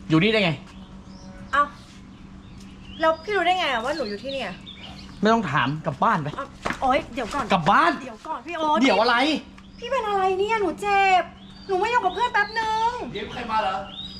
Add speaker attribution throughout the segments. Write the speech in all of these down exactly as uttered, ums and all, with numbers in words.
Speaker 1: อยู่นี่ได้ไง
Speaker 2: เอ้าแล้วพี่รู้ได้ไงอะว่าหนูอยู่ที่นี่
Speaker 1: ไม่ต้องถามกลับบ้านไป
Speaker 2: อ้าวโอ๊ยเดี๋ยวก่อน
Speaker 1: กลับบ้าน
Speaker 2: เดี๋ยวก่อนพี่โอ๊ต
Speaker 1: เดี๋ยวอะไร
Speaker 2: พี่เป็นอะไรเนี่ยหนูเจ็บหนูไม่อยู่กับเพื่อนแป๊บนึง
Speaker 1: เดี๋ยวใครมาเหรอ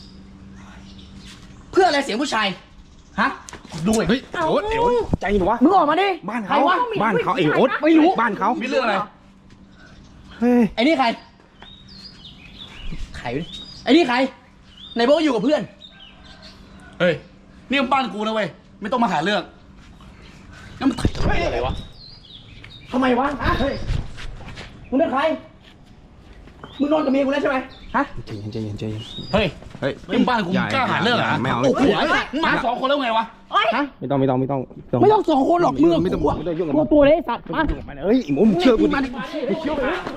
Speaker 1: เพื่ออะไรเสียงผู้ชายฮะดูไอ้
Speaker 3: เฮ้ยโอ๊ตเอ๋ยใจหนูวะ
Speaker 1: มึงออกมาดิ
Speaker 3: บ้าน
Speaker 1: ใคร
Speaker 3: เขา
Speaker 1: วะ
Speaker 3: บ้านเขาเอ๋โอ๊ต
Speaker 1: ไม่รู้
Speaker 3: บ้านเขา
Speaker 1: มีเรื่องอะไร
Speaker 3: เฮ้ย
Speaker 1: ไอ้นี่ใครใครวะเนี่ยไอ้นี่ใครไหนบอกว่าอยู่กับเพื่อน
Speaker 4: เฮ้ยนี่มันบ้านกูนะเว้ยไม่ต้องมาหาเรื่องนั่นมันถ่ายทำไมอะไรวะ
Speaker 1: ทำไมวะฮะเฮ้ยมึงเป็นใครมึงนอนกับเมียกูแล้วใช่ไหมฮะ
Speaker 3: ใจเย็นใจเย็นใจเย็น
Speaker 4: เฮ้ย
Speaker 3: เฮ้ย
Speaker 4: นี่มันบ้านกู
Speaker 3: อย่
Speaker 4: มึงกล้าหาเรื่องเหรอ
Speaker 3: อย่ไม่เอา
Speaker 4: โอ้โห
Speaker 3: เฮ้ย
Speaker 4: มึงมาสองคนแล้วไงวะ
Speaker 2: โอ๊ย
Speaker 1: ฮะ
Speaker 3: ไม่ต้องไม่ต้องไม่ต้อง
Speaker 1: ไม่ต้องสองคนหรอกมึงกับ
Speaker 3: ไม่ต้อง
Speaker 1: กูอะ
Speaker 3: ไม่ต้องยุ่งกับ
Speaker 1: ตัว
Speaker 3: มัน
Speaker 1: ตัวเลยสัตว์มา
Speaker 3: เฮ้ยไอ้หมูมึงเชื่อกูดิ
Speaker 1: มาดิมาดิเชื่อกูนะ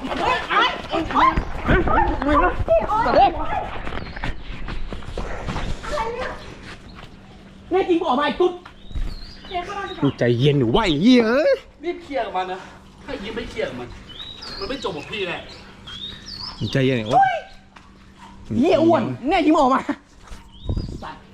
Speaker 1: สัตว์เลยแน่จริงบอกมาไอ้ตุ๊ด
Speaker 2: เดี๋ยวเข้ามาดีก
Speaker 3: มึ
Speaker 2: ว่าง
Speaker 3: ใจเย็นหนูไหวเหี้ยเอ้ย
Speaker 4: รีบเคลียร์กับมันนะถ้ายิ้มไม่เคลียร์กับมัน มันไม่จบกับพี่แน่
Speaker 3: มึงใจเย็นโอ๊ต
Speaker 1: เหี้ยอ้วนแน่จริงบอกมาสัตว์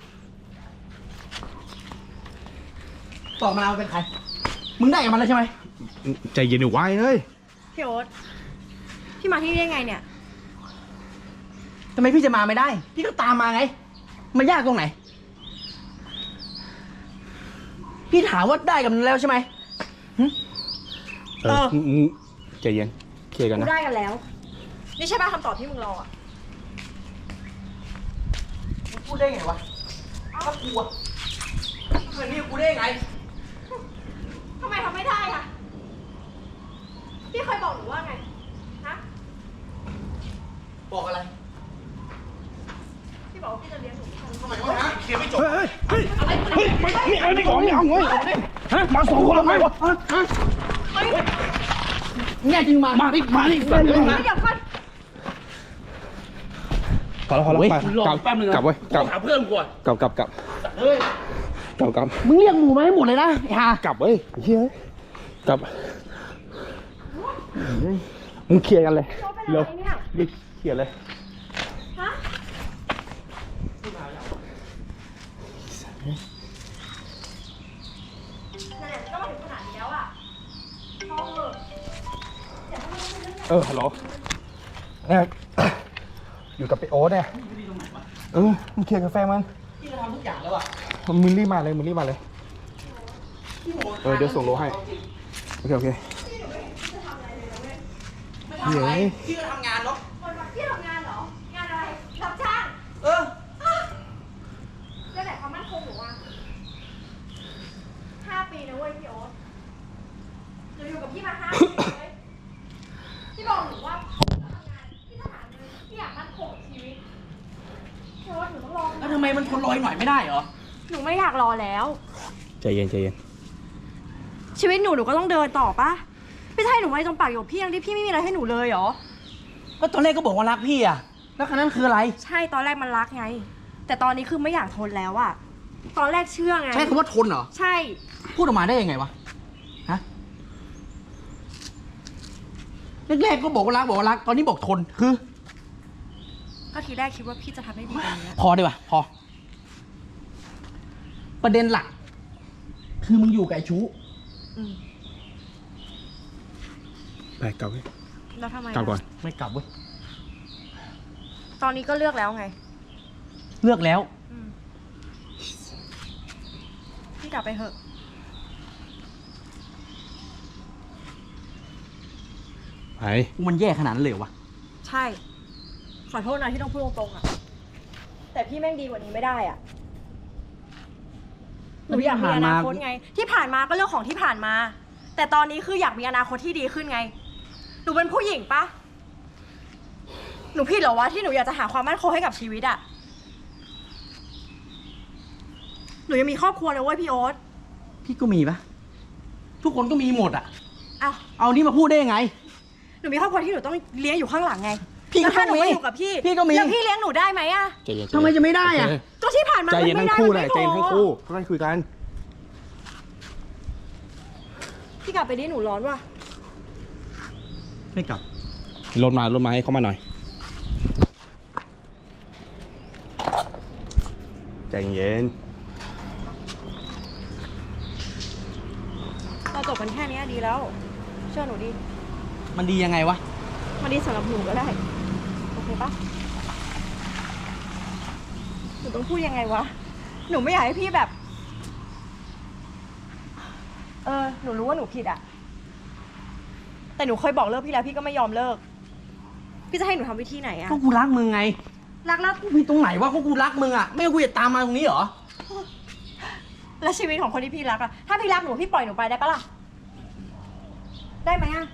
Speaker 1: ต่อมาเป็นใครมึงได้กับมันแล้วใช่ไหม
Speaker 3: ใจเย็นหนูไหวเฮ้ย
Speaker 2: พี่โอ๊ตพี่มาที่นี่ได้ไงเนี่ย
Speaker 1: ทำไมพี่จะมาไม่ได้ พี่ก็ตามมาไงมายากตรงไหน พี่ถามว่าได้กับมันแล้วใช่ไหม
Speaker 3: เออมึงมึงใจเย็นเคลียร์กัน
Speaker 2: กู
Speaker 3: นะ
Speaker 2: ได้กันแล้ว นี่ใช่ป่ะคำตอบที่มึงรออะ
Speaker 1: มึงพูดได้ไงวะถ้ากูอะเหมือนนี่กูได้ไง
Speaker 2: ทำไมทำไม่ได้อะพี่เคยบอกหนูว่าไงฮะ
Speaker 1: บอกอะไร
Speaker 2: พี่บอกว่าพี่จะเลี้ยงหนู
Speaker 1: ทำไมวะฮะ
Speaker 4: เคลียร์ไม่จบ
Speaker 3: เฮ้ยเฮ้ยเฮ้ยไม่ไม่เอาไม่เอาไม่เอาเว้ยฮะมาสองคนแล้วไงวะฮะฮะ
Speaker 1: แน่จริงมา
Speaker 4: มาดิมาดิ
Speaker 2: เดี๋ยวก่อน
Speaker 3: พอแล้วพอแล้ว
Speaker 1: เว้ย
Speaker 3: ไป
Speaker 4: รอก
Speaker 3: ลับ
Speaker 4: แป๊บนึงนะ
Speaker 3: กลับเว้ยกลับ
Speaker 4: หาเพื่อนกูก่อน
Speaker 3: กลับกลับกลับ
Speaker 4: เฮ้ย
Speaker 3: กลับกลับ
Speaker 1: มึงเรียกหมูมาให้หมดเลยนะไอ้ห่าก
Speaker 3: ลับเว้ยเฮ้ยกลับมึงเคลียร์กันเลย
Speaker 2: โจ๊กเป็น
Speaker 3: เร็
Speaker 2: อะ
Speaker 3: ว
Speaker 2: ไรเนี่ย
Speaker 3: รีบเคลียร์เลย
Speaker 2: ฮะนั่นแหละก็มาถึงขนาดนี้แล้วอะพอเถอะเดี๋ยวให้มันเป็นเรื่องใหญ่
Speaker 3: เออฮัลโหลเนี่ยอยู่กับไปโอ๊ตเนี่ยเออมึงเคลียร์กาแฟมัน
Speaker 1: พี่จะทำทุกอย่างแล้วอะ
Speaker 3: มึงรีบมาเลยมึงรีบมาเลยเออเดี๋ยวส่งโลให้โอเคโอเค
Speaker 1: ไม่ทำอะไรพี่ก็ทำงานเนาะ
Speaker 2: คนมาพี่ทำงานเหรอ งานอะไร รับจ้าง
Speaker 1: เออ
Speaker 2: แล้วไหนความมั่นคงหนูอะห้าปีนะเว้ยพี่โอ๊ตหนูอยู่กับพี่มาห้าปีเลยพี่บอกหนูว่าพี่ทำงานพี่ต้องหาเงินพี่อยากมั่นคงกับชีวิตพี่โอ๊ตหนูต้องรอ
Speaker 1: แล้วทำไมมันทนรออีกหน่อยไม่ได้เหรอ
Speaker 2: หนูไม่อยากรอแล้ว
Speaker 3: ใจเย็นใจเย็น
Speaker 2: ชีวิตหนูหนูก็ต้องเดินต่อปะไม่ใช่หนูไว้ตรงปากอยู่กับพี่ยังที่พี่ไม่มีอะไรให้หนูเลยเหรอ
Speaker 1: ก็ตอนแรกก็บอกว่ารักพี่อะแล้วคันนั้นคืออะไร
Speaker 2: ใช่ตอนแรกมันรักไง แต่ตอนนี้คือไม่อยากทนแล้วอะตอนแรกเชื่อไง
Speaker 1: ใช้คำว่าทนเหรอ
Speaker 2: ใช่
Speaker 1: พูดออกมาได้ยังไงวะ ฮะ แรกๆก็บอกว่ารักบอกว่ารัก ตอนนี้บอกทน คือ
Speaker 2: ก็ทีแรกคิดว่าพี่จะทำให้ดีกว่านี้
Speaker 1: พอดีกว่าพอ ประเด็นหลัก คือมึงอยู่กับไอ้ชู้
Speaker 2: อืม
Speaker 3: ไปกลับเว้ย
Speaker 2: แล้วทำไม
Speaker 3: กลับก่อน
Speaker 1: ไม่กลับเว้ย
Speaker 2: ตอนนี้ก็เลือกแล้วไง
Speaker 1: เลือกแล้ว
Speaker 2: อืมพี่กลับไปเถอะ
Speaker 3: ไป
Speaker 1: มันแย่ขนาดนั้นเลยเหรอวะ
Speaker 2: ใช่ ขอโทษนะที่ต้องพูดตรงๆอะแต่พี่แม่งดีกว่านี้ไม่ได้อะหนูอยากมีอนาคตไง ที่ผ่านมาก็เรื่องของที่ผ่านมา แต่ตอนนี้คืออยากมีอนาคตที่ดีขึ้นไง หนูเป็นผู้หญิงปะหนูผิดเหรอวะที่หนูอยากจะหาความมั่นคงให้กับชีวิตอะหนูยังมีครอบครัวเลยเว้ยพี่โอ๊ต
Speaker 1: พี่ก็มีปะทุกคนก็มีหมดอะ
Speaker 2: อ้าว
Speaker 1: เอานี่มาพูดได้ยังไง
Speaker 2: หนูมีครอบครัวที่หนูต้องเลี้ยงอยู่ข้างหลังไง
Speaker 1: พี่ก็
Speaker 2: แล้วถ้าหนู
Speaker 1: ต้องมี
Speaker 2: ไม่อยู่กับพี่
Speaker 1: พี่ก็มี
Speaker 2: แล้วพี่เลี้ยงหนูได้ไหมอะ
Speaker 3: ใจเย็น
Speaker 1: ทำไมจะไม่ได้อะ
Speaker 3: โเค
Speaker 2: ก็ที่ผ่านมา
Speaker 3: ใจ
Speaker 2: มัน
Speaker 3: เย็น
Speaker 2: ไม่
Speaker 3: ทั้ง
Speaker 2: ได้
Speaker 3: คู่
Speaker 2: มัน
Speaker 3: แหละ
Speaker 2: ไม่
Speaker 3: ใจเย็น
Speaker 2: พ
Speaker 3: ทั้ง
Speaker 2: อ
Speaker 3: คู่ค่อยๆคุยกัน
Speaker 2: พี่กลับไปดิหนูร้อนว่ะ
Speaker 1: ไม่กลับ
Speaker 3: รถมารถมาให้เข้ามาหน่อยใจเย็น
Speaker 2: เราจบกันแค่นี้ดีแล้ว เชื่อหนูดิ
Speaker 1: มันดียังไงวะ
Speaker 2: มันดีสำหรับหนูก็ได้ โอเคปะหนูต้องพูดยังไงวะ หนูไม่อยากให้พี่แบบ เออ หนูรู้ว่าหนูผิดอะแต่หนูเคยบอกเลิกพี่แล้วพี่ก็ไม่ยอมเลิก พี่จะให้หนูทำวิธีไหนอะ
Speaker 1: ก็กูรักมึงไง
Speaker 2: รักแล้ว
Speaker 1: กูผิดตรงไหนวะก็กูรักมึงอะไม่งั้นกูจะตามมาตรงนี้เหรอ
Speaker 2: แล้วชีวิตของคนที่พี่รักอะถ้าพี่รักหนูพี่ปล่อยหนูไปได้ปะล่ะ ได้ไหมอะ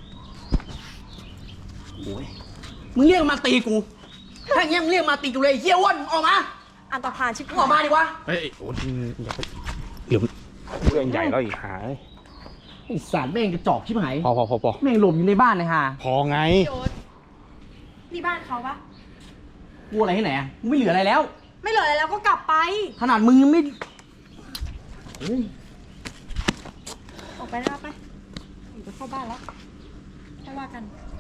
Speaker 1: โอ้ยมึงเรียกมาตีกู ถ้าอย่างเงี้ยมึงเรียกมาตีกูเลยไอ้เฮี้ยอ้วนออกมา
Speaker 2: อันตรพานชิบ
Speaker 1: มึงออกมาดิวะ
Speaker 3: เฮ้ย โอ้ยอย่าไปเดี๋ยวเรื่องใหญ่แล้วอีกหาย
Speaker 1: ไอ้สัตว์แม่งกระจอกชิบหาย
Speaker 3: พอพอพอพอ
Speaker 1: แม่งหลบอยู่ในบ้านเลยฮะ
Speaker 3: พอไง
Speaker 2: โยนนี่บ้านเขาปะ
Speaker 1: กูอะไรที่ไหนอะกูไม่เหลืออะไรแล้ว
Speaker 2: ไม่เหลืออะไรแล้วก็กลับไป
Speaker 1: ขนาดมึงยังไม่เฮ้ย
Speaker 2: ออกไปได้ปะไปหนูจะเข้าบ้านแล้วไม่ว่ากัน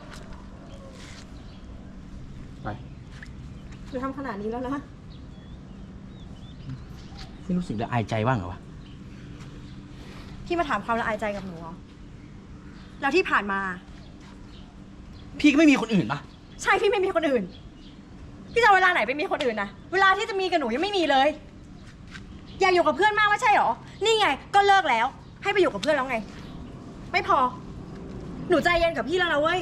Speaker 3: ไป
Speaker 2: หนูทำขนาดนี้แล้วนะ
Speaker 1: ไม่รู้สึกละอายใจบ้างเหรอวะ
Speaker 2: พี่มาถามความละอายใจกับหนูเหรอแล้วที่ผ่านมา
Speaker 1: พี่ก็ไม่มีคนอื่นปะ
Speaker 2: ใช่พี่ไม่มีคนอื่น พี่จะเอาเวลาไหนไปมีคนอื่นนะเวลาที่จะมีกับหนูยังไม่มีเลย อยากอยู่กับเพื่อนมากไม่ใช่หรอ นี่ไงก็เลิกแล้ว ให้ไปอยู่กับเพื่อนแล้วไง ไม่พอ หนูใจเย็นกับพี่แล้วนะเว้ย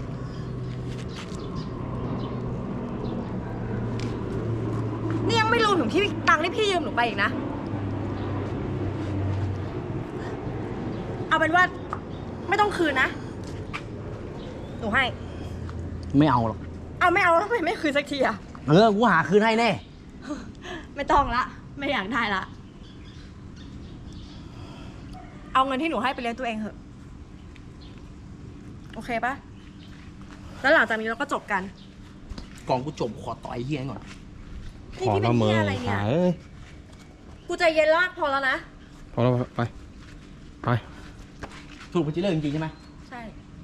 Speaker 2: นี่ยังไม่รวมถึงที่ตังค์ที่พี่ยืมหนูไปอีกนะ เอาเป็นว่าไม่ต้องคืนนะ หนูให้
Speaker 1: ไม่เอาหรอก
Speaker 2: เอาไม่เอาแล้วทำไมไม่คืนสักทีอะ
Speaker 1: เออ กูหาคืนให้แน่
Speaker 2: ไม่ต้องละ ไม่อยากได้ละ เอาเงินที่หนูให้ไปเลี้ยงตัวเองเถอะ โอเคปะแล้วหลังจากนี้เราก็จบกัน
Speaker 1: ก่อนกูจบขอต่อยไอ้เฮี้ยก่อน
Speaker 2: นี่พี่เป็นเหี้ยอะไรเนี่ย
Speaker 3: หายเอ้ย
Speaker 2: กูใจเย็นลากพอแล้วนะ
Speaker 3: พอแล้วไป ไป
Speaker 1: สรุปกูจะเลิกจริงๆใช่ไหม
Speaker 2: ใช่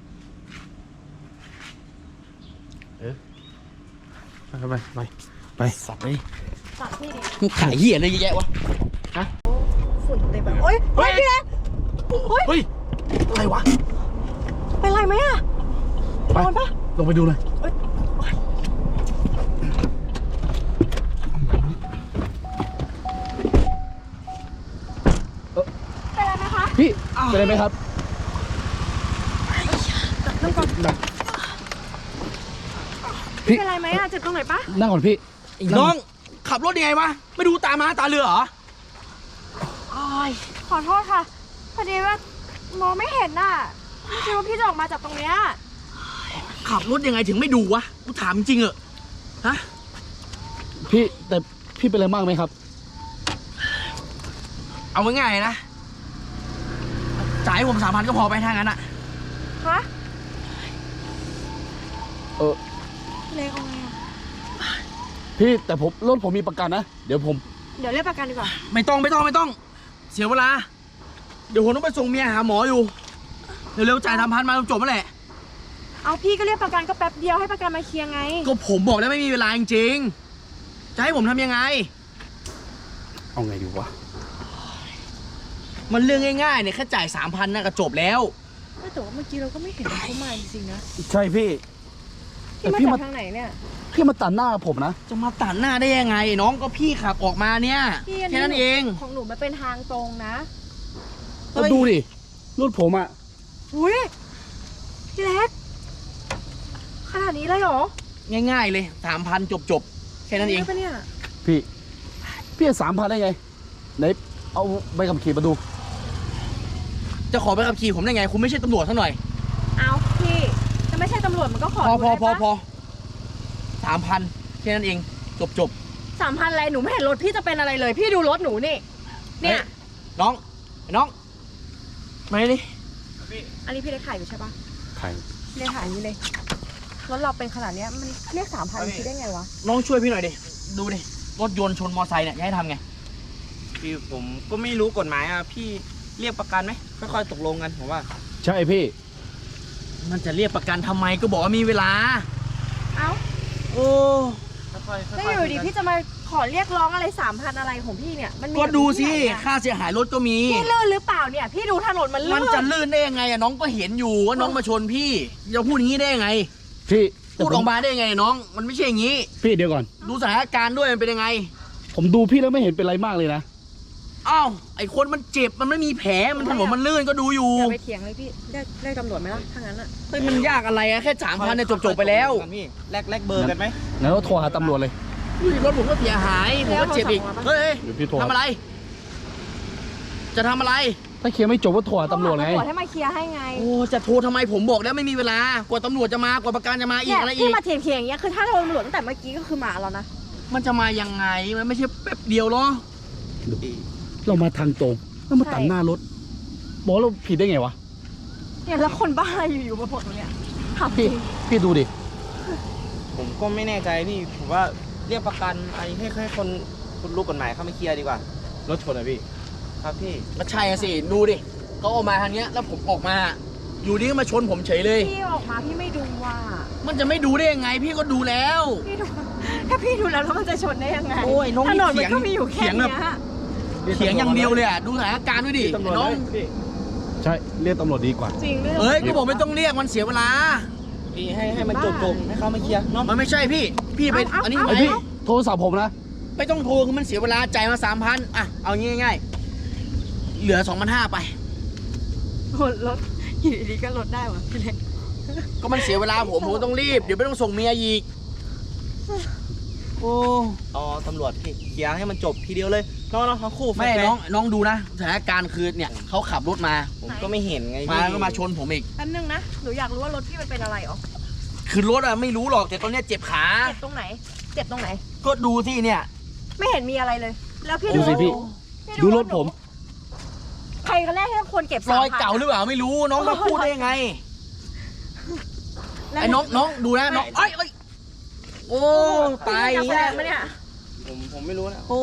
Speaker 1: เออ
Speaker 3: ไปไปไปไป
Speaker 1: สัตว์เลย
Speaker 2: ตัดพี่ดิ
Speaker 1: มึงขายเหี้ยอะไรเยอะแยะวะ ฮะ
Speaker 2: ฝุ่นเต็มแบบโอ๊ยเฮ้ยพี่เล็กโอ๊ย
Speaker 1: เฮ้ย อะไรวะ
Speaker 2: เป็นไรไหมอะ
Speaker 3: ไป
Speaker 2: โดนปะ
Speaker 1: ลงไปดูเลย
Speaker 2: เอ้ยเป็นไรไหมคะ
Speaker 3: พี่เป็นไรไหมครับ
Speaker 2: เริ่มก่อน
Speaker 3: พี่
Speaker 2: เป็นไรไหมอะเจ็บตรงไหนปะ
Speaker 3: นั่งก่อนพี่
Speaker 1: ไอ้น้อง ขับรถยังไงวะ ไม่ดูตามาตาเรือเหรอ
Speaker 2: ขอโทษค่ะ พอดีว่ามองไม่เห็นน่ะไม่คิดว่าพี่จะออกมาจากตรงเนี้ย
Speaker 1: ขับรถยังไงถึงไม่ดูวะ กูถามจริงเหอะ ฮะ
Speaker 3: พี่แต่พี่เป็นอะไรมากไหมครับ
Speaker 1: เอาง่ายๆนะ จ่ายให้ผมสามพันก็พอไปทางนั้นอะ
Speaker 2: ฮะ
Speaker 3: เออ
Speaker 2: เล็กเอาไงอะ
Speaker 3: พี่แต่ผมรถผมมีประกันนะ เดี๋ยวผม
Speaker 2: เดี๋ยวเรียกประกันดีกว่า
Speaker 1: ไม่ต้องไม่ต้องไม่ต้อง เสียเวลา เดี๋ยวผมต้องไปส่งเมียหาหมออยู่ เร็วๆจ่ายสามพันมาจบๆแล้วแหละ
Speaker 2: เอาพี่ก็เรียกประกันก็แป๊บเดียวให้ประกันมาเคลียร์ไง
Speaker 1: ก็ผมบอกแล้วไม่มีเวลาจริงๆ จะให้ผมทำยังไง
Speaker 3: เอาไงดีวะ
Speaker 1: มันเรื่องง่ายๆเนี่ยแค่จ่ายสามพันน่ะก็จบแล้ว
Speaker 2: แต่ว่าเมื่อกี้เราก็ไม่เห็นเขามาจริงๆนะ
Speaker 3: ใช่พี่
Speaker 2: พี่มา
Speaker 3: พี่
Speaker 2: จา
Speaker 3: มา
Speaker 2: กทางไหนเนี่ย
Speaker 3: พี่มาตัดหน้าผมนะ
Speaker 1: จะมาตัดหน้าได้ยังไง น้องก็พี่ขับออกมาเนี่ย
Speaker 2: พี่อัน
Speaker 1: แค่
Speaker 2: นี้
Speaker 1: นั้นเอง
Speaker 2: ของหนูมันเป็นทางตรงนะ
Speaker 3: ก็ดูดิ รถผมอะ
Speaker 2: อุ้ยพี่เล็ก ขนาดนี้เลยเหรอ
Speaker 1: ง่ายๆเลยสามพันจบๆ แค่นั้นเอง
Speaker 2: ปะเนี่ย
Speaker 3: พี่ พี่สามพันได้ไง ไหน เอาใบขับขี่มาดู
Speaker 1: จะขอไปขับขี่ผมได้ไง คุณไม่ใช่ตำรวจซะหน่อย
Speaker 2: เอาพี่จะไม่ใช่ตำรวจมันก็ขอ
Speaker 1: พอ
Speaker 2: ดู
Speaker 1: พอ
Speaker 2: ได้
Speaker 1: พอ
Speaker 2: ปะ
Speaker 1: พอสามพันแค่นั้นเอง จบจบ
Speaker 2: สามพันอะไรหนูไม่เห็นรถพี่จะเป็นอะไรเลย พี่ดูรถหนูนี่ เนี่ย
Speaker 1: น้องน้องมาดิ
Speaker 2: อันนี้พี่เล็กขายอยู่ใช่ปะ
Speaker 3: ใคร
Speaker 2: พี่เล็กขายอันนี้เลย รถเราเป็นขนาดเนี้ยมันเรียกสามพันคิดได้ไงวะ
Speaker 1: น้องช่วยพี่หน่อยดิ ดูดิ รถยนต์ชนมอไซค์เนี่ยจะให้ทำไง
Speaker 5: พี่ผมก็ไม่รู้กฎหมายอ่ะพี่เรียกประกันไหมค่อยๆตกลงกันผมว่า
Speaker 3: ใช่พี่
Speaker 1: มันจะเรียกประกันทำไมก็บอกว่ามีเวลา
Speaker 2: เอ้า
Speaker 1: โอ้
Speaker 5: ค่อยๆค่อยๆ
Speaker 2: แล้วอยู่ดี
Speaker 5: คุกัน
Speaker 2: พี่จะมาขอเรียกร้องอะไรสามพันอะไรของพี่เนี่ยมันมี
Speaker 1: ก็ดูสิ
Speaker 2: แบบนี้ที่ไหนอะ
Speaker 1: ค่าเสียหายรถก็มี
Speaker 2: พี่ลื่นหรือเปล่าเนี่ย พี่ดูถนนมันลื่น
Speaker 1: มันจะลื่นได้ยังไงอะน้องก็เห็นอยู่ว่าน้องมาชนพี่จะพูดอย่างนี้ได้ยังไง
Speaker 3: พี่
Speaker 1: พูดออกมาได้ยังไงน้อง มันไม่ใช่อย่างนี้
Speaker 3: พี่เดี๋ยวก่อน
Speaker 1: ดูสถานการณ์ด้วยมันเป็นยังไง
Speaker 3: ผมดูพี่แล้วไม่เห็นเป็นไรมากเลยนะ
Speaker 1: อ้าวไอคนมันเจ็บมันไม่มีแผลมันถนนมันลื่นก็ดูอยู่
Speaker 2: อย่าไปเถียงเลยพี่ได้ได้ตำรวจไหมล่ะถ้างั้นอะ
Speaker 1: เฮ้ยมันยากอะไรอะแค่สามพันเนี่ยจบๆไปแล้ว
Speaker 5: พี่แลกแลกเบอร์กันไหม
Speaker 3: งั้นเราโทรหาตำรวจเลย
Speaker 1: ดูดิรถผมก็เสียหายผมก็เจ็บอีกเฮ้ย
Speaker 3: เดี๋ยวพี่โทร
Speaker 1: ทำอะไร จะทำอะไร
Speaker 3: ถ้าเคลียร์ไม่จบก็โทรหาตำรวจไง
Speaker 2: ตำรวจให้มาเคลียร์ให้ไง
Speaker 1: โอ้จะโทรทำไมผมบอกแล้วไม่มีเวลากว่าตำรวจจะมากว่าประกันจะมาอี
Speaker 2: เนี่
Speaker 1: ก
Speaker 2: ย
Speaker 1: อะไรอี
Speaker 2: พี่
Speaker 1: ก
Speaker 2: มาเถียงๆอย่างเงี้ยคือถ้าโดนตำรวจตั้งแต่เมื่อกี้ก็คือมาแล้วนะ
Speaker 1: มันจะมายังไงมันไม่ใช่แป๊บเดียวหรอ
Speaker 3: เรามาทางตรงแล้วมาตัดหน้ารถ บอกเราผิดได้ไงวะ
Speaker 2: เนี่ยแล้วคนบ้าอะไรอยู่ๆมาปลดตรงเนี้ยขับจริ
Speaker 3: พี่
Speaker 2: ง
Speaker 3: พี่ดูดิ
Speaker 5: ผมก็ไม่แน่ใจพี่ผมว่าเรียกประกันอะไรให้ให้คนคนรู้กฎหมายเข้ามาเคลียร์ดีกว่ารถชนอะพี่ครับพี่
Speaker 1: ก็ใช่อะสิดูดิเขาออกมาทางเนี้ยแล้วผมออกมา อยู่ดีก็มาชนผมเฉยเลย
Speaker 2: พี่ออกมาพี่ไม่ดูว่า
Speaker 1: มันจะไม่ดูได้ยังไง พี่ก็ดูแล้ว
Speaker 2: พี่ดูถ้าพี่ดูแล้วแล้วมันจะชนได้ยังไง
Speaker 1: โอ้ยน้อง
Speaker 2: ถนน
Speaker 1: นี่
Speaker 2: มันก็
Speaker 1: เถียง
Speaker 2: มีอยู่แค่
Speaker 1: เถียงแบ
Speaker 2: เนี้
Speaker 1: บ
Speaker 2: ย
Speaker 1: เถียงอย่างเดียวเลยอะดูสถานการณ์ด้วยดิ
Speaker 5: ตำรวจ
Speaker 1: น้อง
Speaker 5: พี่
Speaker 3: ใช่เรียกตำรวจดีกว่า
Speaker 2: จริงด้วย
Speaker 1: เอ้ยก็บอกไม่ต้องเรียกมันเสียเวลา
Speaker 5: พี่ให้ให้มันจบจบให้เขามาเคลียร์เนาะ
Speaker 1: มันไม่ใช่พี่ พี่ไปอันนี้
Speaker 3: ไอพี่โทรศัพท์ผมนะ
Speaker 1: ไม่ต้องโทรคือมันเสียเวลาจ่ายมาสามพันอ่ะเอางี้ง่ายๆเหลือสองพันห้าไป
Speaker 2: รถรถอยู่ดีๆก็ลดได้วะพี่เล็ก
Speaker 1: ก็มันเสียเวลาผมผมก็ต้องรีบ เดี๋ยวไม่ต้องส่งเมียอีก โอ้
Speaker 5: เอาตำรวจพี่เคลียร์ให้มันจบทีเดียวเลยน้องน้องทั้งคู่
Speaker 1: แม่
Speaker 5: ฟร์ๆ
Speaker 1: น้องน้องดูนะสถานการณ์คือเนี่ยเขาขับรถมา
Speaker 5: ผมก็ไม่เห็นไง
Speaker 1: มา
Speaker 5: พี่
Speaker 1: ก็มาชนผมอีก
Speaker 2: แป๊บนึงนะหนูอยากรู้ว่ารถพี่มันเป็นอะไรอ๋อ
Speaker 1: คือรถอะไม่รู้หรอกแต่ตอนเนี้ยเจ็บขา
Speaker 2: เจ็บตรงไหน เจ็บตรงไหน
Speaker 1: ก็ดูที่เนี่ย
Speaker 2: ไม่เห็นมีอะไรเลย แล้วพี่
Speaker 3: ดูสิพี่
Speaker 2: พี่
Speaker 3: ดูรถผม
Speaker 2: ใครกันแรกที่ควรเก็บ
Speaker 1: รอยเก่าหรือเปล่าไม่รู้น้องมาพูดได้ยังไง
Speaker 2: แล้ว
Speaker 1: ไอ้น้องน้องดูนะน้องเอ้ยเอ้ยโอ้ตาย
Speaker 2: พี่
Speaker 1: แล้
Speaker 2: แย่
Speaker 1: ว
Speaker 2: มาเนี่ย
Speaker 5: ผมผมไม่รู้นะ
Speaker 1: โอ้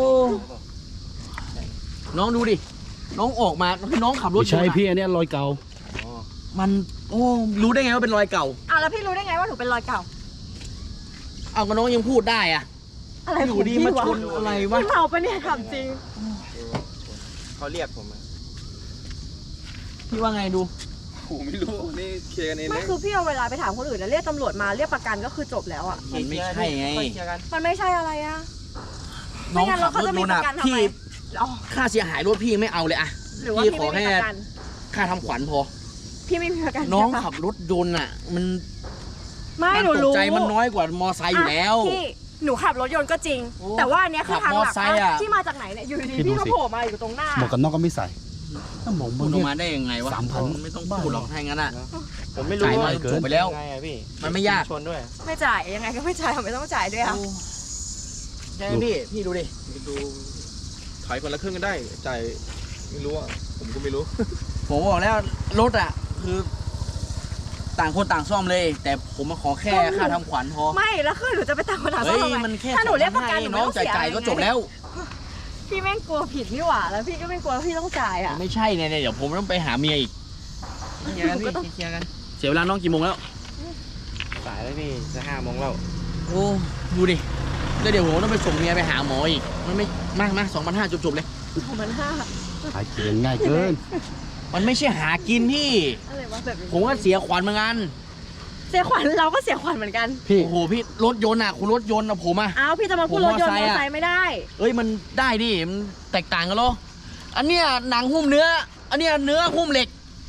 Speaker 1: น้องดูดิ น้องออกมาคือน้องขับรถ
Speaker 3: ไม่ใช่
Speaker 1: อยู่อะ
Speaker 3: พี่อันเนี้ยรอยเก่า
Speaker 1: มันโอ้รู้ได้ไงว่าเป็นรอยเก่า
Speaker 2: อ้าวแล้วพี่รู้ได้ไงว่าหนูเป็นรอยเก่า
Speaker 1: เอาก็น้องยังพูดได้อะ
Speaker 2: อะไร
Speaker 1: อยู่
Speaker 2: ของ
Speaker 1: ดี
Speaker 2: พี่
Speaker 1: มาว
Speaker 2: ะ
Speaker 1: ชนอะไรวะ
Speaker 2: พี่เมาปะเนี่ยถามจริง
Speaker 5: เขาเรียกผมมา
Speaker 1: พี่ว่าไงดู
Speaker 5: ผมไม่รู้นี่เคลียร์กันเอง
Speaker 2: ไม่
Speaker 5: นะ
Speaker 2: คือพี่เอาเวลาไปถามคนอื่นแล้วเรียกตำรวจมาเรียกประกันก็คือจบแล้วอ่ะ
Speaker 1: มันไม่ใช่ไง
Speaker 5: เคลียร์กัน
Speaker 2: มันไม่ใช่อะไรอ่ะ
Speaker 1: น้อง
Speaker 2: ไม่งั้น
Speaker 1: ขั
Speaker 2: เรา
Speaker 1: บ
Speaker 2: เขา
Speaker 1: รถ
Speaker 2: จะมี
Speaker 1: โดน
Speaker 2: ป
Speaker 1: อะ
Speaker 2: ระกันทำ
Speaker 1: พี่
Speaker 2: ไมอ๋อ
Speaker 1: ค่าเสียหายรถพี่ไม่เอาเลยอะ
Speaker 2: หรือว่า
Speaker 1: พี่
Speaker 2: พี่
Speaker 1: ขอ
Speaker 2: ไม่
Speaker 1: แค่
Speaker 2: มีประกัน
Speaker 1: ค่าทำขวัญพอ
Speaker 2: พี่ไม่มีประกัน
Speaker 1: น้อง
Speaker 2: ใช่ปะ
Speaker 1: ขับรถยนต์อะมัน
Speaker 2: ไม่
Speaker 1: การ
Speaker 2: หนู
Speaker 1: ตก
Speaker 2: รู้
Speaker 1: ใจมันน้อยกว่ามอไซค์อยู่แล้ว
Speaker 2: ะพี่หนูขับรถยนต์ก็จริง
Speaker 1: โอ้
Speaker 2: แต่ว่าอันเนี้ยคือทางหลัก
Speaker 1: ขับมอไซค์อะ
Speaker 2: ที่มาจากไหนเนี่ยอยู่ดี
Speaker 3: พี่
Speaker 2: ๆ
Speaker 3: ดู
Speaker 2: พี่ก็
Speaker 3: สิ
Speaker 2: โผล่มาอยู่ตรงหน้า
Speaker 3: หมวกกันน็อกก็ไม่ใส่ถ้าหมอก
Speaker 1: พู
Speaker 3: มั
Speaker 1: ด
Speaker 3: น
Speaker 1: ออ
Speaker 3: เนี่ย
Speaker 1: กมาได้ยังไงวะ
Speaker 3: สามพัน
Speaker 1: ไม่ต้องพูดหรอกถ้าอย่างนั้นอะ
Speaker 5: ผมไม่รู้
Speaker 1: จ่ายมา
Speaker 5: ว่า
Speaker 1: จบไปแล้ว
Speaker 5: ยังไงอะพี่
Speaker 1: มันไม่ยาก
Speaker 5: ชนด้วย
Speaker 2: ไม่จ่ายยังไงก็ไม่จ่ายไม่ต้องจ่ายด้วยอ่ะ
Speaker 1: ใช่ไหมพี่ พี่ดูดิ
Speaker 6: ดูขายคนละครึ่งกันได้จ่ายไม่รู้อ่ะผมก็ไม่รู้
Speaker 1: ผมบอกแล้วรถอ่ะ คือต่างคนต่างซ่อมเลย แต่ผมมาขอแค่ค่าทำขวัญพอ
Speaker 2: ไม่แล้วคือหนูจะไปตามคนหาซ่
Speaker 1: เฮ้
Speaker 2: อม
Speaker 1: ย
Speaker 2: ทำไม
Speaker 1: มันแค่
Speaker 2: ถ้าหนูเรียกประกันหนู
Speaker 1: น้
Speaker 2: ไม่
Speaker 1: อง
Speaker 2: ต้องเสีย
Speaker 1: จ่าย
Speaker 2: อะไร
Speaker 1: ก็จบแล้ว
Speaker 2: พี่แม่งกลัวผิดนี่หว่าแล้วพี่ก็ไม่กลัวพี่ต้องจ่ายอ่ะ
Speaker 1: ไม่ใช่เนี่ยเดี๋ยวผมต้องไปหาเมียอีก
Speaker 5: เคลียร์กันพี่เคลียร์กัน
Speaker 1: เสียเวลาน้องกี่โมงแล้ว
Speaker 5: สายแล้วพี่จะห้าโมงแล้ว
Speaker 1: โอ้ดูดิแล้วเดี๋ยวผมต้องไปส่งเมียไปหาหมออีก มันไม่มากมาสองพันห้าจบๆเลย
Speaker 2: สองพันห้า
Speaker 3: หายเกินง่ายเกิน
Speaker 1: มันไม่ใช่หากินพี่
Speaker 2: อะไรวะแบบนี้
Speaker 1: ผมก็เสียขวัญเหมือนกัน
Speaker 2: เสียขวัญเราก็เสียขวัญเหมือนกัน
Speaker 3: พี่
Speaker 1: โอ้โหพี่รถยนต์อ่ะคุณรถยนต์อะผมอ่ะ
Speaker 2: อ้าวพี่จะมาพูด
Speaker 1: ผม
Speaker 2: รถยนต์
Speaker 1: ม
Speaker 2: ม
Speaker 1: อ
Speaker 2: อ
Speaker 1: ไซค์อะ
Speaker 2: ไซค์ไม่ได้
Speaker 1: เอ้ยมันได้ดิมันแตกต่างกันเหรออันเนี้ยหนังหุ้มเนื้อ อันเนี้ยเนื้อหุ้มเหล็ก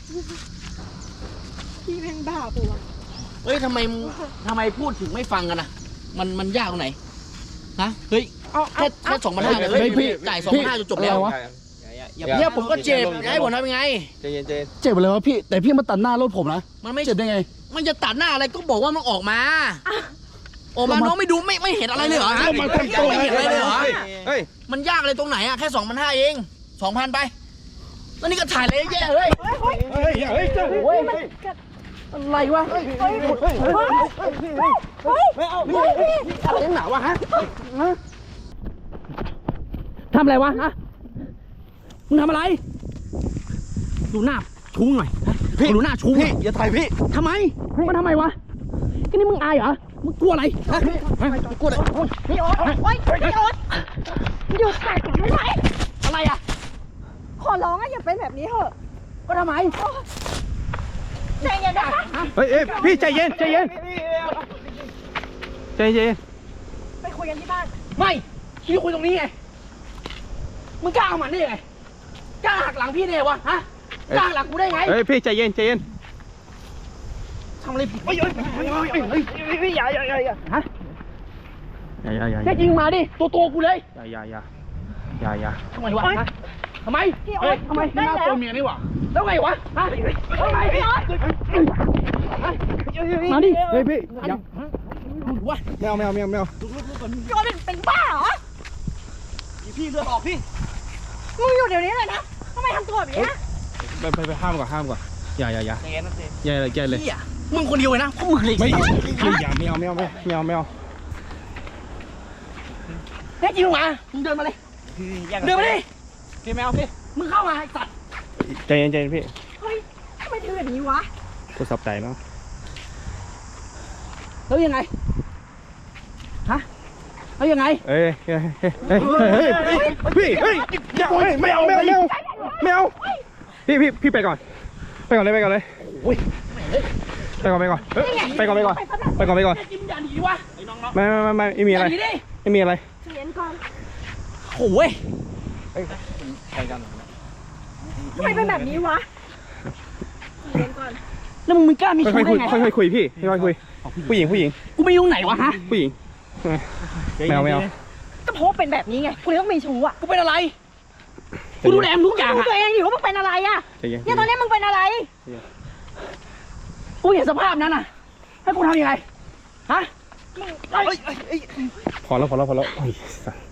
Speaker 2: พี่แม่งบ้าปะวะ
Speaker 1: เฮ้ยทำไมทำไมพูดถึงไม่ฟังกันอ่ะ มันมันยากตรงไหนฮะเฮ้ย
Speaker 2: เอาเอา
Speaker 1: แค่แค่สองพันห้าเลย
Speaker 3: เฮ้
Speaker 1: เฮ้
Speaker 3: ย
Speaker 1: ย
Speaker 3: พี่
Speaker 1: จ่ายสองพันห้าจบแล้ว
Speaker 3: อะไรวะ
Speaker 5: อย่า
Speaker 1: เนี่ยผมก็เจ็บจะให้ผมทำยังไง
Speaker 6: ใจเย็นใจเย็น
Speaker 3: เจ็บเลยวะพี่ แต่พี่มาตัดหน้ารถผมนะ
Speaker 1: มันไม่
Speaker 3: เจ็บได้ไง
Speaker 1: มันจะตัดหน้าอะไรก็บอกว่ามันออกมาออกมาน้องไม่ดูไม่ไม่เห็นอะไรเลยเหรอฮะ
Speaker 3: ก็มาทำตัว
Speaker 1: ไม่เห็นอะไรเลยเหรอ
Speaker 6: เฮ้ย
Speaker 1: มันยากเลยตรงไหนอ่ะแค่สองพันห้าเองสองพันไปแล้วนี่ก็ถ่ายอะไรเยอะแยะเฮ้ย
Speaker 3: เฮ้ยเฮ้ยเจ้า
Speaker 1: โอ้ยอะไรวะ
Speaker 2: เฮ้ยเฮ้ยเฮ้ยไม่เอาพี่
Speaker 1: อะไรหนาวะฮะทำอะไรวะฮะมึงทำอะไร ดูหน้าชูงหน่อยฮะดูหน้าชูง
Speaker 6: พี่อย่าถ่ายพี่
Speaker 1: ทำไมมันทำไมวะก็นี่มึงอายเหรอมึงกลัวอะไรฮะกลัวอะไร
Speaker 2: พี่โอ๊ตโอ๊ยพี่โอ๊ตหยุดแต่ก่อนไม่ไหว
Speaker 1: อะไรอ่ะ
Speaker 2: ขอร้องอะอย่าเป็นแบบนี้เถอะ
Speaker 1: ก็ทำไม
Speaker 2: ใจเย็นนะคะ
Speaker 3: เฮ้ยเอ้ยพี่ใจเย็นใจเย็นใจเย็น
Speaker 2: ไปคุยกันที่บ้าน
Speaker 1: ไม่พี่คุยตรงนี้ไง มึงกล้าเอามันได้ยังไง กล้าหักหลังพี่ได้ไงวะ ฮะ กล้าหักหลังกูได้ไง
Speaker 3: เฮ้ยพี่ใจเย็นใจเย็น
Speaker 1: ทำอะไรผิดเฮ้ยเฮ้ยเฮ้ยเฮ้ยเฮ้ยเฮ้ยอย่าอย่าอย่าอย่าฮะ
Speaker 3: อย่าอย่าอย่า
Speaker 1: แค่จริงมาดิ ตัวตัวกูเลย
Speaker 3: อย่าอย่าอย่าอย่าอย่า
Speaker 1: ทำไมวะฮะทำไม
Speaker 2: พี่โอ๊ต
Speaker 1: ทำไม
Speaker 2: ได้แล้ว
Speaker 4: ตัวเมียนี่หว่า
Speaker 1: แล้วไงวะ ฮะทำไมพี่อ๊อตมาดิ
Speaker 3: เฮ้ยพี่อย่า
Speaker 1: วะ
Speaker 3: ไม่เอาไม่เอาไม่เอาไม่เอา
Speaker 2: พี่โอ๊ตเป็นเป็นบ้าเหรอ
Speaker 1: พี่เลือดออกพี่
Speaker 2: มึงอยู่เดี๋ยวนี้เลยนะทำไมทำตัวแบบนี้นะ
Speaker 3: ไปไปไปห้ามก่อนห้ามก่อนอย่าอย่าอย่า
Speaker 5: ใจเย็นนะเจ
Speaker 3: อย่าเลยอย่าเลย
Speaker 1: พี่อ่ะมึงคนเดียวเลยนะเพราะมึงเลย
Speaker 3: ไม่ไม่อย่าไม่เอาไม่เอาไม่เอาไม่เอา
Speaker 1: แค่จริงมา มึงเดินมาเลย เดินมาดิ
Speaker 5: พี่แมวพี่
Speaker 1: มึงเข้ามาไอ้สัตว์
Speaker 3: ใจเย็นใจเย็นพี่
Speaker 2: เฮ้ยทำไมถึงแบบนี้วะ
Speaker 3: กูสับใจเนาะ
Speaker 1: แล้วยังไง ฮะ แล้วยังไง
Speaker 3: เอ้ยเฮ้ยเฮ้ยเฮ้ยเฮ้ยพี่เฮ้ยอย่าเฮ้ยไม่เอาไม่เอาไม่เอาไม่เอาพี่พี่พี่ไปก่อนไปก่อนเลยไปก่อนเลย
Speaker 1: โอ้ย
Speaker 3: ไปก่อนไปก่อนเอ้ยไปก่อนไปก่อนไปก่อนไปก่อน
Speaker 1: แค่จริงมึงอย่าหนีวะ
Speaker 3: ไม่ไม่ไม่ไม่ไม่มี
Speaker 1: อ
Speaker 3: อะไร
Speaker 1: ย่าหนีดิ
Speaker 3: ไม่มีอะไร
Speaker 2: ใจเย็นก่อน
Speaker 1: โอ้ย
Speaker 2: ทำไมเป็นแบบนี้วะใจเย็นก่อน
Speaker 1: แล้วมึงไม่กล้ามี
Speaker 3: ค่
Speaker 1: ชู้
Speaker 3: อยๆคุย
Speaker 1: ได้ไง
Speaker 3: ค่อยๆคุยพี่ค่อยๆคุยผู้หญิงผู้หญิง
Speaker 1: กูไม่รู้ไหนวะฮะ
Speaker 3: ผู้หญิงไม่เอาไม่เอา
Speaker 2: ก็เพราะว่าเป็นแบบนี้ไงกูเลยต้องมีชู้อะ
Speaker 1: กูเป็นอะไร กูดูแลมึงทุกอย่าง
Speaker 2: ดู
Speaker 1: อะ
Speaker 2: ตัวเองอยู่ว่ามึงเป็นอะไรอะ
Speaker 3: ใจเย็น
Speaker 2: เนี่ยตอนนี้มึงเป็นอะไร
Speaker 1: กูเห็นสภาพนั้นน่ะ ให้กูทำยังไง ฮะเอ้ยเอ้ยเอ้ย
Speaker 3: พอแล้วพอแล้วพอแล้วโอ้ยสัส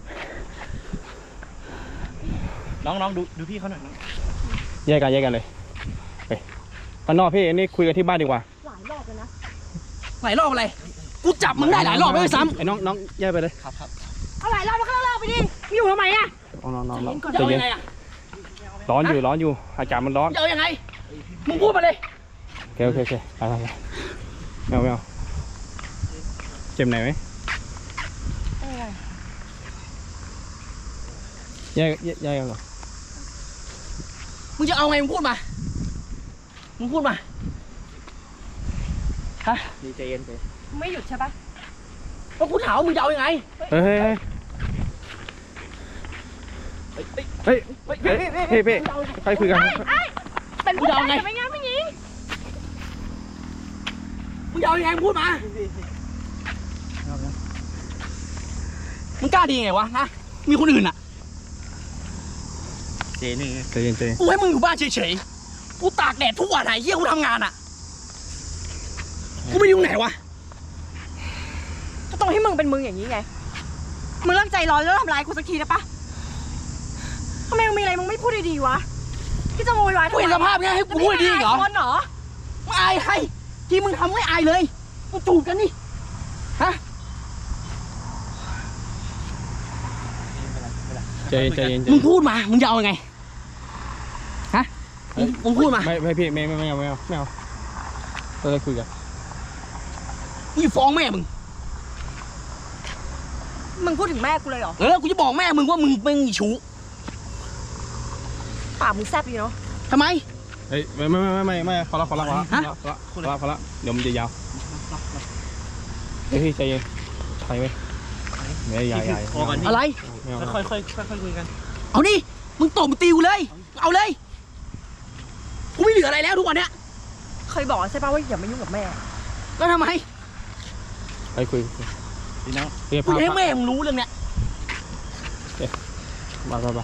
Speaker 5: น้องน้องดูดูพี่เขาหน่อยน้อง
Speaker 3: แยกกันแยกกันเลยไปข้างนอกพี่อันนี้คุยกันที่บ้านดีกว่า
Speaker 2: หลายรอบแล้วนะ
Speaker 1: หลายรอบอะไร กูจับมึงได้หลายรอบไม่ซ้
Speaker 3: ไอ้น้องน้องแยกไปเลย
Speaker 5: ครับครับ
Speaker 2: เอาหลายรอบแล้วก็เลิกไปดิมึงอยู่ทำไมอะ
Speaker 3: น้องน้องน้องน้อง
Speaker 1: ำ
Speaker 3: ใจ
Speaker 1: จะเอา
Speaker 3: เย็
Speaker 1: ยั
Speaker 3: น
Speaker 1: งไงอะ
Speaker 3: ร้อนอยู่ร้อนอยู่อากาศมันร้อน
Speaker 1: จะเอายังไง มึงพูดมาเลย
Speaker 3: โอเคโอเคโอเคไปไปไปไม่เอาไม่เอาเจ็บไหนไหมแยกแยกแยกกันก่อน
Speaker 1: มึงจะเอาไงมึงพูดมา มึงพูดมา ฮะ
Speaker 5: ดีใจเย็นใจ
Speaker 2: มึงไม่หยุดใช่ปะ
Speaker 1: แล้วกูถามว่ามึงจะเอายังไง
Speaker 3: เฮ้ยเฮ้ยเฮ้ยเฮ้ยเฮ้ยพี่พี่ใครคุยกัน
Speaker 2: เป็นผู้ชายแต่ไม่งั้นไม่ยิง
Speaker 1: มึงจะเอายังไงมึงพูดมา มึงกล้าดีไงวะฮะ มีคนอื่นอ่ะ
Speaker 5: เจนี่
Speaker 3: ใจเย็นใจเย็น
Speaker 1: กูให้มึงอยู่บ้านเฉยๆ กูตากแดดทุกวันไหนเฮียกูทำงานอ่ะ กูไม่ยุ่งไหนวะ
Speaker 2: ก็ต้องให้มึงเป็นมึงอย่างนี้ไง มึงเลิกใจร้อนแล้วทำร้ายกูสักทีได้ปะทำไมมึงมีอะไรมึงไม่พูดดีๆวะที่จะโวยวายทำ
Speaker 1: กู
Speaker 2: ไม
Speaker 1: เห็นสภาพเนี้ยให้กูพูดดีอีกเหรอ
Speaker 2: คนเหรอ
Speaker 1: มึงอายใครที่มึงทำไม่อายเลย มึงจูบกันนี่ ฮะ
Speaker 3: ใจเย็นใจเย็นใจ
Speaker 1: มึ
Speaker 3: เย็
Speaker 1: ง
Speaker 3: น
Speaker 1: พูดมา มึงจะเอายังไง ฮะ มึงมึงพูดมา
Speaker 3: ไม่ไม่พี่ไม่ไม่ไม่เอาไม่เอาไม่เอาเราจะคุยกัน
Speaker 1: มึงจะฟ้องแม่มึง
Speaker 2: มึงพูดถึงแม่กูเลยเหรอ
Speaker 1: เออ กูจะบอกแม่มึงว่ามึงเป็นชู้
Speaker 2: ปากมึงแซ่บดีเนาะ
Speaker 1: ทำไม
Speaker 3: เฮ้ยไม่ไม่ไม่ไม่ไม่พอละพอละพอละ
Speaker 1: ฮะ
Speaker 3: พอละพอละพอละเดี๋ยวมันจะยาวเฮ้ยพี่ใจเย็นใครไหมไม่ใหญ่ใหญ่
Speaker 5: พอกันนี่
Speaker 1: อะไร
Speaker 3: ไม่เอา
Speaker 5: ค่อยค่อยค่อยค่อยคุยกัน
Speaker 1: เอานี่ มึงตบมึงตีกูเลย เอาเลย กูไม่เหลืออะไรแล้วทุกวันเนี้ย
Speaker 2: เคยบอกใช่ป่ะว่าอย่ามายุ่งกับแม่
Speaker 1: แล้วทำไม
Speaker 3: ไปคุยคุย
Speaker 5: พี่น้อง
Speaker 3: เฮ้ย
Speaker 1: กู
Speaker 3: พา
Speaker 1: จะให้แม่มึงรู้เรื่องเนี้ย
Speaker 3: มาไปไป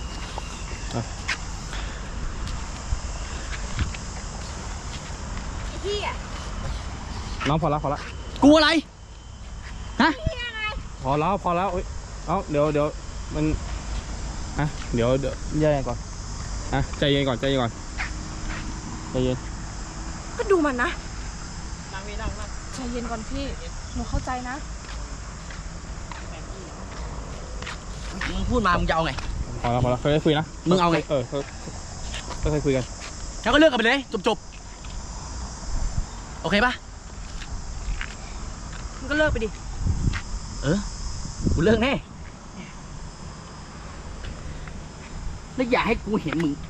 Speaker 2: พี่อะ
Speaker 3: น้องพอละพอละ
Speaker 1: กูอะไร ฮะ
Speaker 3: พอแล้วพอแล้วเอ้ยเอาเดี๋ยวเดี๋ยวมันอ่ะเดี๋ยวเดี๋ยวแยกกันก่อนอ่ะใจเย็นก่อนใจเย็นก่อนใจเย็น
Speaker 2: ก็ดูมันนะ
Speaker 5: นั่งพี่นั่งนั่ง
Speaker 2: ใจเย็นก่อนพี่ หนูเข้าใจนะ
Speaker 1: มึงพูดมา มึงจะเอาไง
Speaker 3: พอแล้วพอแล้วค่อยๆคุยนะ
Speaker 1: มึงเอาไง
Speaker 3: เออค่อยๆคุยกัน
Speaker 1: แล้วก็เลิกกันไปเลย จบๆ โอเคปะ
Speaker 2: มึงก็เลิกไปดิ
Speaker 1: เออ กูเลิกแน่ แล้วอย่าให้กูเห็นมึง